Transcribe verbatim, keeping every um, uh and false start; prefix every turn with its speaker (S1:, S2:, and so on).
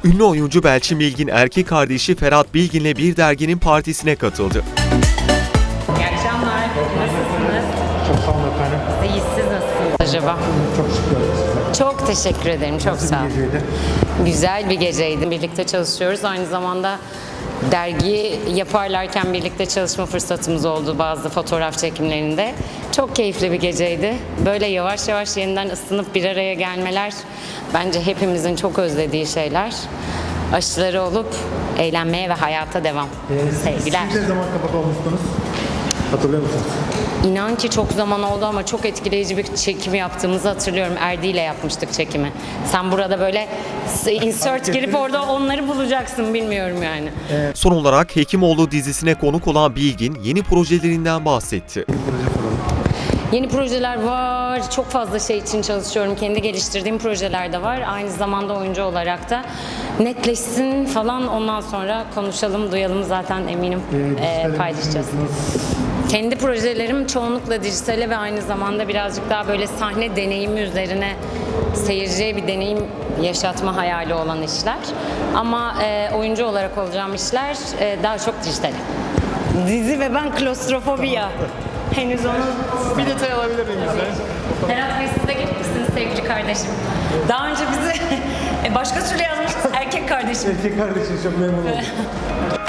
S1: Ünlü oyuncu Belçin Bilgin erkek kardeşi Ferhat Bilgin'le bir derginin partisine katıldı.
S2: İyi akşamlar. Nasılsınız?
S3: Çok sağ olun efendim.
S2: İyi, siz nasılsınız acaba?
S3: Çok şükür size.
S2: Çok teşekkür ederim. Çok
S3: Nasıl
S2: sağ
S3: bir
S2: olun.
S3: geceydi?
S2: Güzel bir geceydi. Birlikte çalışıyoruz. Aynı zamanda dergi yaparlarken birlikte çalışma fırsatımız oldu bazı fotoğraf çekimlerinde. Çok keyifli bir geceydi. Böyle yavaş yavaş yeniden ısınıp bir araya gelmeler bence hepimizin çok özlediği şeyler. Aşıları olup eğlenmeye ve hayata devam.
S3: Ee,
S2: Sevgiler.
S3: Siz ne zaman kapak olmuştunuz? Hatırlıyor musunuz?
S2: İnan ki çok zaman oldu ama çok etkileyici bir çekim yaptığımızı hatırlıyorum. Erdi ile yapmıştık çekimi. Sen burada böyle insert girip orada onları bulacaksın, bilmiyorum yani.
S1: Son olarak Hekimoğlu dizisine konuk olan Bilgin yeni projelerinden bahsetti.
S3: Proje soralım.
S2: Yeni projeler var. Çok fazla şey için çalışıyorum. Kendi geliştirdiğim projeler de var. Aynı zamanda oyuncu olarak da netleşsin falan, ondan sonra konuşalım, duyalım, zaten eminim
S3: Ee,
S2: e,
S3: dijitale
S2: paylaşacağız.
S3: düşünüyorsunuz.
S2: Kendi projelerim çoğunlukla dijitale ve aynı zamanda birazcık daha böyle sahne deneyimi üzerine seyirciye bir deneyim yaşatma hayali olan işler. Ama e, oyuncu olarak olacağım işler e, daha çok dijitale. Dizi ve ben klostrofobi ya. Henüz onu...
S3: Bir detay alabilir miyim bizden?
S2: Ferhat Bey, siz de gelir misiniz sevgili kardeşim? Daha önce bizi e, başka türlü yazmışsınız, erkek kardeşim.
S3: Erkek kardeşim çok memnun oldum.